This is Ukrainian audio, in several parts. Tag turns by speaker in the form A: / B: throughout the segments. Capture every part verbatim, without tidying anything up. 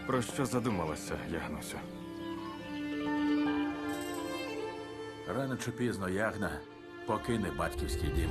A: Про що задумалася, Ягнусю?
B: Рано чи пізно Ягна покине батьківський дім.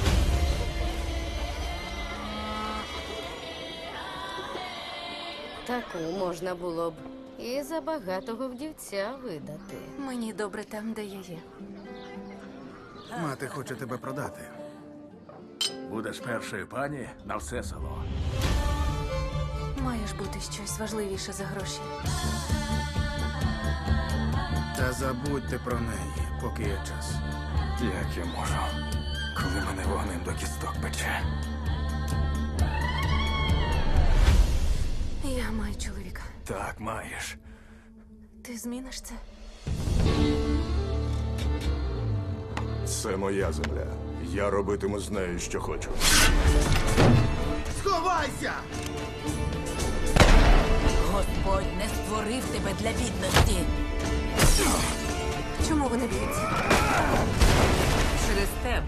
C: Таку можна було б і за багатого вдівця видати.
D: Мені добре там, де я є.
E: Мати хоче тебе продати.
B: Будеш першою пані на все село.
D: Має ж бути щось важливіше за гроші.
E: Та забудьте про неї, поки є час.
A: Як я можу, коли мене вогнем до кісток пече?
D: Я маю чоловіка.
A: Так, маєш.
D: Ти зміниш це?
F: Це моя земля. Я робитиму з нею, що хочу.
E: Сховайся!
G: Господь не створив тебе для бідності.
D: Чому вони б'ються?
G: Через тебе.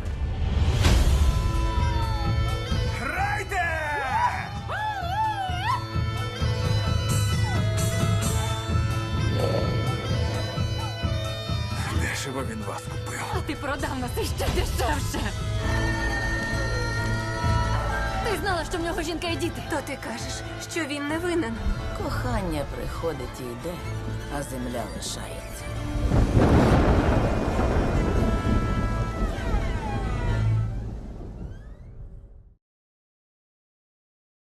A: Дешево він вас купив.
D: А ти продав нас іще дешевше. Ти знала, що в нього жінка і діти. То ти кажеш, що він не винен.
G: Кохання приходить і йде, а земля лишається.